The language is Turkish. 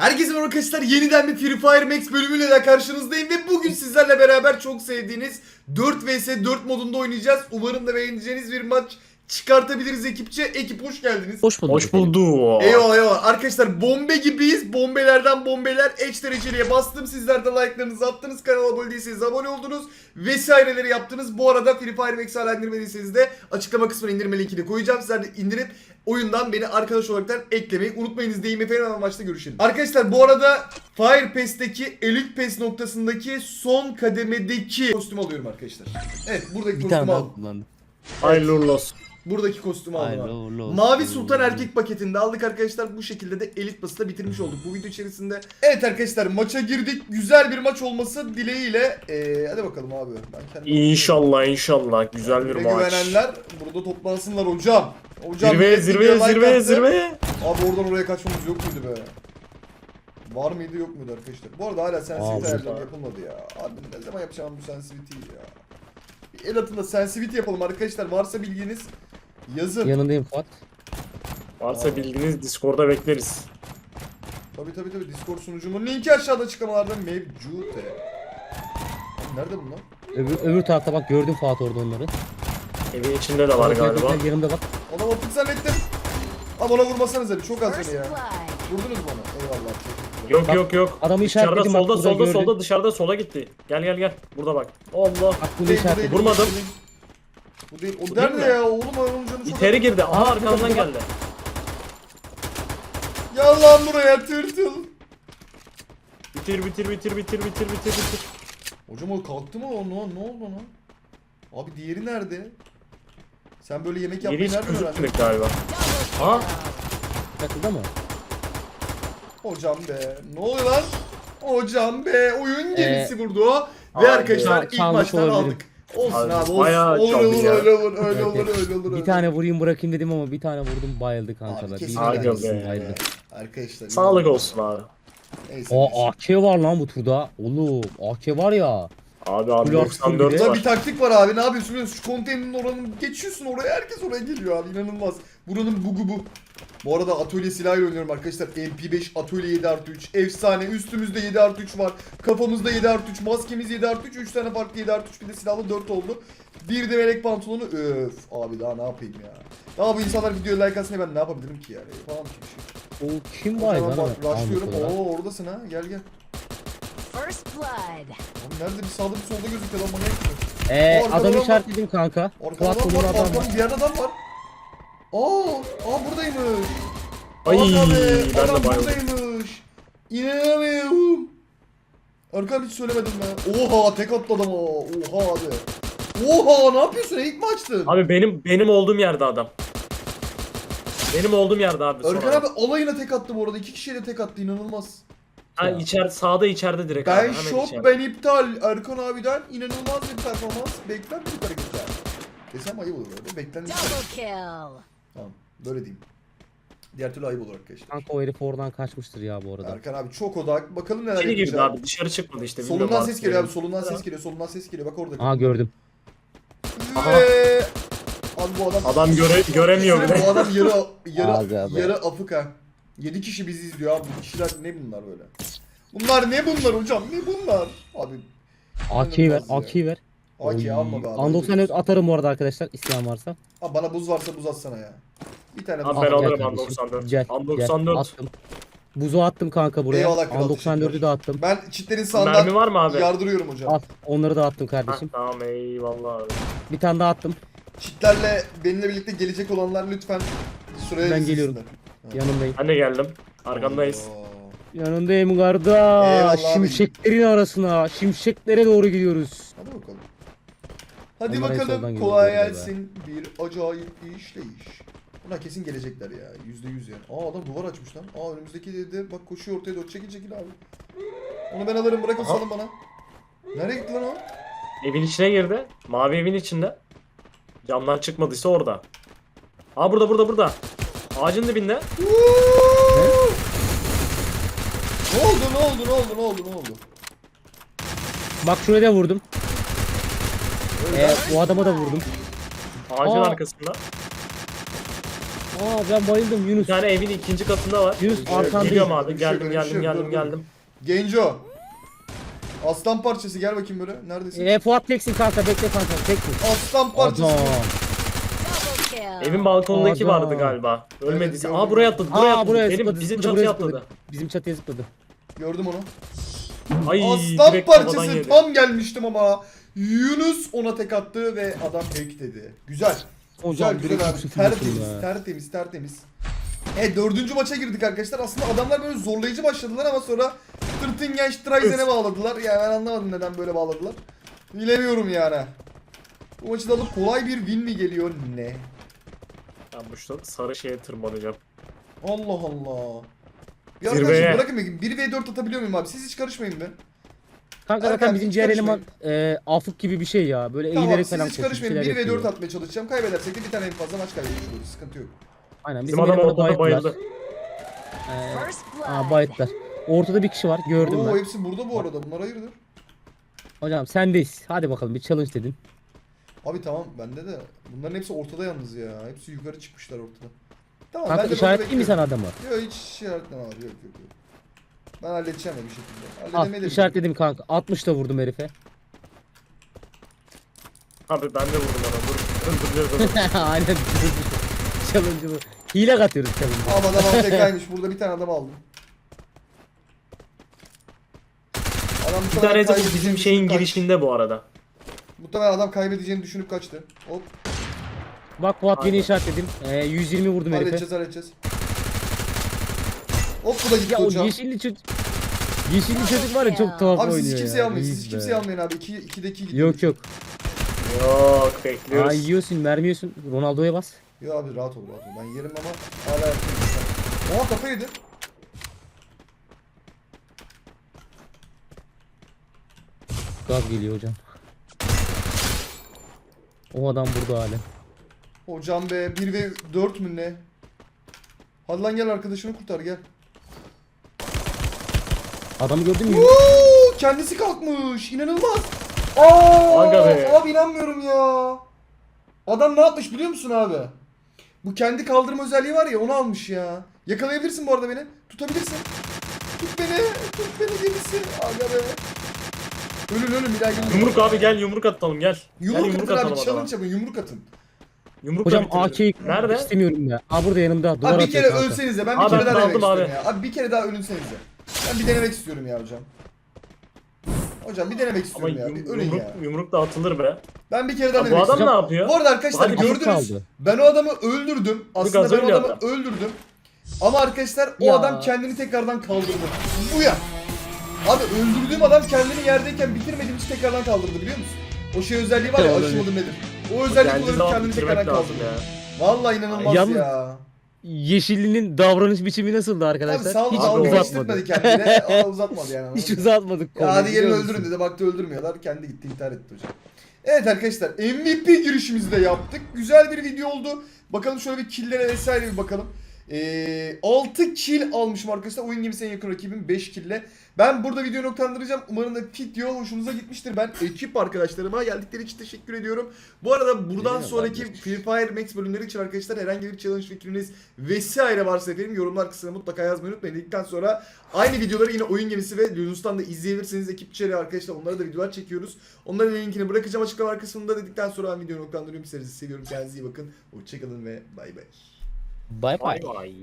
Herkese merhaba arkadaşlar, yeniden bir Free Fire Max bölümüyle de karşınızdayım ve bugün sizlerle beraber çok sevdiğiniz 4 vs 4 modunda oynayacağız. Umarım da beğeneceğiniz bir maç çıkartabiliriz ekipçe. Ekip hoş geldiniz. Hoş bulduk. Hoş bulduk. Eyvallah eyvallah. Arkadaşlar bombe gibiyiz. Bombelerden bombeler. Eş dereceliğe bastım. Sizler de like'larınızı attınız. Kanala abone değilseniz abone oldunuz. Vesaireleri yaptınız. Bu arada Free Fire Max'i hala indirmediyseniz de açıklama kısmına indirme linkini koyacağım. Sizler de indirip oyundan beni arkadaş olaraktan eklemeyi unutmayınız diyeyim efendim, ama maçta görüşelim. Arkadaşlar bu arada Fire Pass'teki Elite Pass noktasındaki son kademedeki kostüm alıyorum arkadaşlar. Evet, buradaki Bir kostümü tane daha aldım. kullandım. Hayırlı uğurlu olsun. Buradaki kostümü aldım Hayırlı abi. uğurlu olsun. Mavi Sultan erkek paketinde aldık arkadaşlar. Bu şekilde de Elite Pass'ı da bitirmiş olduk bu video içerisinde. Evet arkadaşlar, maça girdik. Güzel bir maç olması dileğiyle. Hadi bakalım abi. Ben kendim İnşallah güzel bir Bize maç. güvenenler burada toplansınlar hocam. Hocam Zirveye millet video like attı. zirveye. Abi oradan oraya kaçmamız yok muydu be? Var mıydı yok muydu arkadaşlar? Bu arada hala sensitivity Aa, ayarları yapılmadı ya. Abi ne zaman yapacağım bu sensitivity'yi ya? Bir el atında sensitivity yapalım arkadaşlar. Varsa bilginiz yazın. Yanındayım Fuat. Varsa bildiğiniz Discord'da bekleriz. Tabii Discord sunucumun linki aşağıda açıklamalarda mevcut. Nerede bunlar? Öbür tarafta bak, gördüm Fuat orada onları. Evin içinde de var galiba. Yanımda bak. Ona attık zannettim. Abi ona vurmasanız abi, çok az beni ya. Vurdunuz mu ona? Eyvallah. Yok. Adamı Dışarıda işaretledim bak, burada gördüm. solda dışarıda sola gitti. Gel. Burada bak. Allah. Bak bunu işaretledim. Vurmadım. Bu değil. O Vurayım nerede mı? ya? Oğlum onun canı çok... İçeri girdi. Aha arkamdan geldi. Gel lan buraya tırtıl. Bitir. Hocam o kalktı mı o? Ne oldu ona? Abi diğeri nerede? Sen böyle yemek Yeri yapmayı hiç nereden öğrendin? gözükmedik galiba. Aha. Takıldı mı? Hocam be. Ne oluyor lan? Hocam be. Oyun gemisi vurdu o. Ve Abi, arkadaşlar ilk çalmış maçtan olabilirim. aldık. Olsun Abi, abi olsun. bayağı Olur çaldı ya. öyle olur. Bir tane vurayım bırakayım dedim ama bir tane vurdum, bayıldı Abi kankalar. kesin Bir Aga tanesi be. bayıldı. Arkadaşlar. Sağlık olsun abi. Neyse. Aa, AK var lan bu turda. Oğlum AK var ya. Abi Full 94 Burada var. bir taktik var abi, ne yapıyorsun biliyor musun? Şu konteynerin oranın geçiyorsun oraya, herkes oraya geliyor abi, inanılmaz. Buranın bugu bu. Bu arada atölye silahıyla oynuyorum arkadaşlar. MP5 atölye 7+3 efsane, üstümüzde 7+3 var. Kafamızda 7+3, maskemiz 7+3, 3 tane farklı 7+3, bir de silahlı 4 oldu. Bir de melek pantolonu, öf abi daha ne yapayım ya. Daha bu insanlar videoya like atsın diye ben ne yapabilirim ki yani? Yapamam ki bir şey. O kim var Hocam lan? bak rushlıyorum. Oo oradasın ha, gel. First blood. Abi nerede, bir sağda bir solda gözüküyor lan, manyak mısın? Adamı işaretledim kanka. Arkada Fuat adam bunun var, adam var. arkamda bir yerde adam var. Aa buradaymış. Ay, Aga be, ben de adam bayıldım. buradaymış. İnanamıyorum. Arkam hiç söylemedim ben. Oha tek attı adama. Oha abi. Oha ne yapıyorsun? İlk mi açtın? Abi benim olduğum yerde adam. Benim olduğum yerde abi. son Erkan adam. abi alayına tek attı bu arada. 2 kişiye de tek attı, inanılmaz. Ha sağda içeride direkt abi. Ben Hemen şok, içeride. ben iptal. Erkan abiden inanılmaz bir performans. Beklenmedik hareketler. Desem ayıp olur öyle. Beklenmedik. Double kill. Tamam böyle diyeyim. Diğer türlü ayıp olur arkadaşlar. Kanka o herif oradan kaçmıştır ya bu arada. Erkan abi çok odak. Bakalım neler İçeri girdi yapacak. abi, dışarı çıkmadı işte. Solundan bilmiyorum ses artık geliyor abi. yani. Solundan ses geliyor. Bak orada. Aa, gördüm. Aha. Ve... Abi bu adam... Adam göremiyor bile. Bu adam Aga be. yarı afık ha. 7 kişi bizi izliyor abi. Bu kişiler ne bunlar böyle? Bunlar ne bunlar hocam? Ne bunlar? Abi AK'yi ver, İnanılmaz ya. AK'yi ver. AK alma be abi. Andoksan atarım bu arada arkadaşlar, isteyen varsa. Abi bana buz varsa buz atsana ya. Bir tane buz. Abi Al, ben gel alırım kardeşim. 94. Gel, 94. gel, attım. Buzu attım kanka buraya. Eyvallah kral, 94'ü teşekkürler. de attım. Ben çitlerin sağından Mermi var mı abi? yardırıyorum hocam. Al, onları da attım Ha, kardeşim. tamam eyvallah abi. Bir tane daha attım. Çitlerle benimle birlikte gelecek olanlar lütfen sıraya Ben dizilsinler. geliyorum. Yanındayım. Ben de geldim. Arkandayız. Oo. Yanındayım kardeş. Eyvallah abi. Şimşeklerin arasına, şimşeklere doğru gidiyoruz. Hadi bakalım. Hadi Onlar en soldan bakalım, geliyor kolay galiba. gelsin. Bir acayip bir işleyiş. Buna kesin gelecekler ya. %100 yani. Aa adam duvar açmış lan. Aa önümüzdeki dedi bak, koşuyor ortaya doğru. Çekil abi. Onu ben alırım, bırakın Aha. salın bana. Nereye gitti lan o? Evin içine girdi. Mavi evin içinde. Camdan çıkmadıysa orada. Aa burada. Ağacın dibinde. Ne oldu? Bak şuraya da vurdum. Öyle. O adama da vurdum. Ağacın Aa. arkasında. Ben bayıldım Bir Yunus. tane evin ikinci katında var. Yunus, arkandayım. Geliyorum abi. Bir şey yok, Geldim bir şey yok, dur, dur. geldim. Genco. Aslan parçası gel bakayım böyle. Neredesin? Fuat teksin kanka, bekle kanka, teksin. Aslan parçası. Adam. Double kill. Evin balkonundaki Adam. vardı galiba. Ölmediyse. gördüm. Aa buraya atladı. Buraya Benim zıpladı, bizim zıpladı, çatıya buraya atladı. zıpladı. Bizim çatıya zıpladı. Gördüm onu. Ay Aslan direkt kafadan parçası yedi. tam gelmiştim ama Yunus ona tek attı ve adam hack dedi. Güzel. Hocam Güzel direkt güzel abi. 3-0 Tertemiz, ya. tertemiz, tertemiz. Evet, 4. maça girdik arkadaşlar. Aslında adamlar böyle zorlayıcı başladılar ama sonra Tırtıngenstreisen'e bağladılar. Yani ben anlamadım neden böyle bağladılar. Bilemiyorum yani. Bu maçı da alıp kolay bir win mi geliyor ne? Ben bu sarı şeye tırmanacağım. Allah Allah. Bir Zirveye. arkadaşım bırakın bakayım. 1v4 atabiliyor muyum abi? Siz hiç karışmayın be. Kanka Erkan, zaten bizim hiç diğer karışmayın. eleman Afuk gibi bir şey ya. Böyle Tamam eğilerek siz falan hiç koşuyor, bir karışmayın. şeyler 1v4 yapıyor. atmaya çalışacağım. Kaybedersek de bir tane en fazla maç kaybediyoruz. Sıkıntı yok. Aynen Bizim bizim adam elemanı ortada bayılttılar. bayıldı. First blood. Bayılttılar. Ortada bir kişi var, gördüm Oo ben. hepsi burada bu arada. Bunlar hayırdır? Hocam sendeyiz. Hadi bakalım, bir challenge dedin. Abi tamam bende de. Bunların hepsi ortada yalnız ya. Hepsi yukarı çıkmışlar ortada. Tamam Kanka ben de işaretleyeyim mi sana adamı? Yok hiç işaretleme abi. Yok. Ben halledeceğim ya bir şekilde. Al, Halledemeyi de işaretledim kanka. 60 da vurdum herife. Abi ben de vurdum ona. Dur. Aynen. Challenge'ı bu. Hile katıyoruz challenge'ı. Ama adam tekaymış. Burada bir tane adam aldım. Adam Bir tanesi bu bizim şeyin kaç. girişinde bu arada. Muhtemelen adam kaybedeceğini düşünüp kaçtı. Hop. Bak Fuat yeni Aynen. işaretledim. 120 vurdum herife. Halledeceğiz. Hop bu da gitti Ya o hocam. yeşilli çocuk. Yeşilli çocuk var ya, çok tuhaf Abi oynuyor siz hiç kimseyi ya. almayın. Siz İyiyiz hiç be. kimseyi almayın abi. 2'deki gidiyor. Yok yok. Yok bekliyoruz. Aa, yiyorsun, mermi yiyorsun. Ronaldo'ya bas. Yok abi rahat ol. Ben yerim ama hala yapıyorum. Oha kafa yedi. Gaz geliyor hocam. O adam burada hala. Hocam be 1 ve 4 mü ne? Hadi lan gel arkadaşını kurtar gel. Adamı gördün mü? Uuu, kendisi kalkmış. İnanılmaz. Aa, Aga be. abi inanmıyorum ya. Adam ne yapmış biliyor musun abi? Bu kendi kaldırma özelliği var ya onu almış ya. Yakalayabilirsin bu arada beni. Tutabilirsin. Tut beni gemisi. Aga be. Ölün bir daha gelin. Yumruk abi gel yumruk atalım gel. Yumruk Gel atın abi adama. challenge yapın yumruk atın. Yumrukla Hocam bitirelim. AK'yi Nerede? istemiyorum ya. Aa, burada yanımda. Duvar Abi bir atıyor kere kanka. ölsenize ben bir Abi kere ben daha denemek aldım abi. istiyorum ya. Abi bir kere daha ölünsenize. Ben bir denemek istiyorum ya hocam. Hocam bir denemek Ama istiyorum ya. Bir ölün ya. yumruk da atılır be. Ben bir kere daha Abi bu denemek adam istiyorum. ne yapıyor? Bu arada arkadaşlar Hadi gördünüz. kaldı. Ben o adamı öldürdüm. Aslında gaz ben o öyle adamı yaptı. öldürdüm. Ama arkadaşlar o Ya. adam kendini tekrardan kaldırdı. Bu ya. Abi öldürdüğüm adam kendini yerdeyken bitirmediğim için tekrardan kaldırdı biliyor musun? O şey özelliği var ya Olabilir. aşamadım nedir? O özellik Geldiği kullanıp zaman kendini bitirmek tekrardan lazım kaldırdı. ya. Vallahi inanılmaz Yalnız- ya. Yeşillinin davranış biçimi nasıldı Abi arkadaşlar? sağ ol Hiç dalga uzatmadı. geçtirmedi kendine. Ama uzatmadı yani. Hiç anladın mı? uzatmadık. Ya konuyu, hadi gelin biliyor musun? öldürün dedi. Baktı öldürmüyorlar. Kendi gitti intihar etti hocam. Evet arkadaşlar MVP girişimizi de yaptık. Güzel bir video oldu. Bakalım şöyle bir killlere vesaire bir bakalım. 6 kill almışım arkadaşlar. Oyun gemisi en yakın rakibim 5 kille. Ben burada videoyu noktalandıracağım. Umarım da video hoşunuza gitmiştir. Ben ekip arkadaşlarıma geldikleri için teşekkür ediyorum. Bu arada buradan Eyvallah, sonraki kardeşim. Free Fire Max bölümleri için arkadaşlar herhangi bir challenge fikriniz vesaire varsa efendim yorumlar kısmına mutlaka yazmayı unutmayın. Dedikten sonra aynı videoları yine oyun gemisi ve Yunus'tan da izleyebilirsiniz. Ekip içeri arkadaşlar onlara da videolar çekiyoruz. Onların linkini bırakacağım açıklama kısmında. Dedikten sonra ben videoyu noktalandırıyorum. Sizleri seviyorum. Kendinize iyi bakın. Hoşçakalın ve bay bay. Bye bye. Bay bay.